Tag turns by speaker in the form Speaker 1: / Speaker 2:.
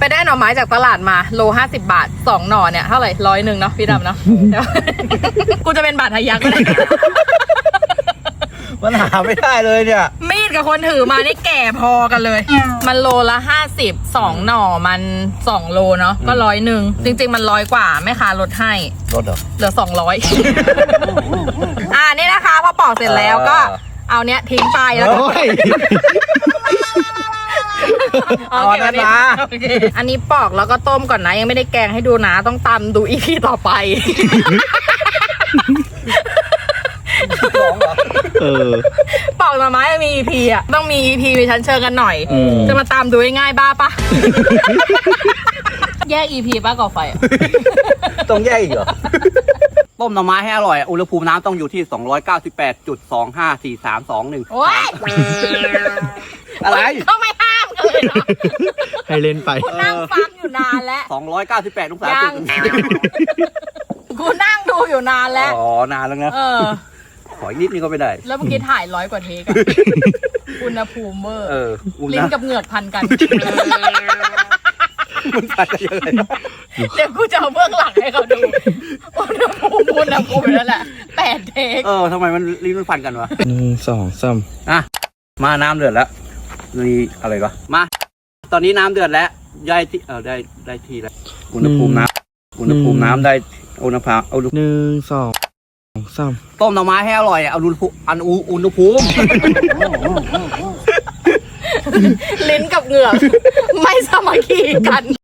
Speaker 1: ได้หน่อไม้จากตลาดมาโล50 บาท2หน่อเนี่ยเท่าไหร่100เนาะพี่ดำเนาะ กูจะเป็นบาททะยักก็ได้
Speaker 2: มันหาไม่ได้เลยเนี่ย
Speaker 1: มีดกับคนถือมานี่แก่พอกันเลย มันโลละ50 2หน่อมัน2โลเนาะก็100จริงๆมัน100กว่าแม่ค้าลดให้
Speaker 2: ลดเหรอ
Speaker 1: เหลือ200 นี่นะคะพอปอกเสร็จแล้วก็เอาเนี้ยทิ้งไปแล้วก็
Speaker 2: เอาอันนั้นมา
Speaker 1: อันนี้ปอกแล้วก็ต้มก่อนนะยังไม่ได้แกงให้ดูนะต้องตำดูอีพีต่อไปปอกหน่อไม้มี EP อ่ะต้องมี EP มีชั้นเชิงกันหน่อยจะมาตามดูง่ายๆบ้าปะแยก EP ป้าก่อไฟ
Speaker 2: ต้องแยกอีกเหรอ
Speaker 3: ต้มหน่อไม้ให้อร่อยอุณหภูมิน้ำต้องอยู่ที่ 298.254321
Speaker 1: โอ๊ย
Speaker 3: อะไร
Speaker 1: ก็ไม่ห้ามกันเลยเนาะ
Speaker 4: ให้เล่นไป
Speaker 1: กูนั่งฟังอยู่นานแล้ว
Speaker 3: 298องศาจุด
Speaker 1: กูนั่งดูอยู่นานแล้ว
Speaker 3: อ๋อนานแล้วนะขออีกนิดนึงก็ไม่ได้
Speaker 1: แล้วเมื่อกี้ถ่าย100 กว่าเทคอะอุณหภูมิเวอร์ลิ้นกับเหงือกพันกัน
Speaker 3: มันพันกันยังไง
Speaker 1: เดี๋ยวกูจะเอาเบื้องหลังให้เขาดูอุณหภูมินั่นแหละ8 เทค
Speaker 3: ทำไมมันลิ้นมันพันกันวะ
Speaker 4: 1 2 3
Speaker 3: มาน้ำเดือดแล้วนี่อะไรก็มาตอนนี้น้ำเดือดแล้วได้ที่ได้ที่แล้วอุณหภูมิน้ำได้อุณหภูมิ
Speaker 4: 1 2 3
Speaker 3: ต้มหน่อไม้ให้อร่อยเอาอุณหภูมิ
Speaker 1: ลิ้นกับเหงือกไม่สามัคคีกัน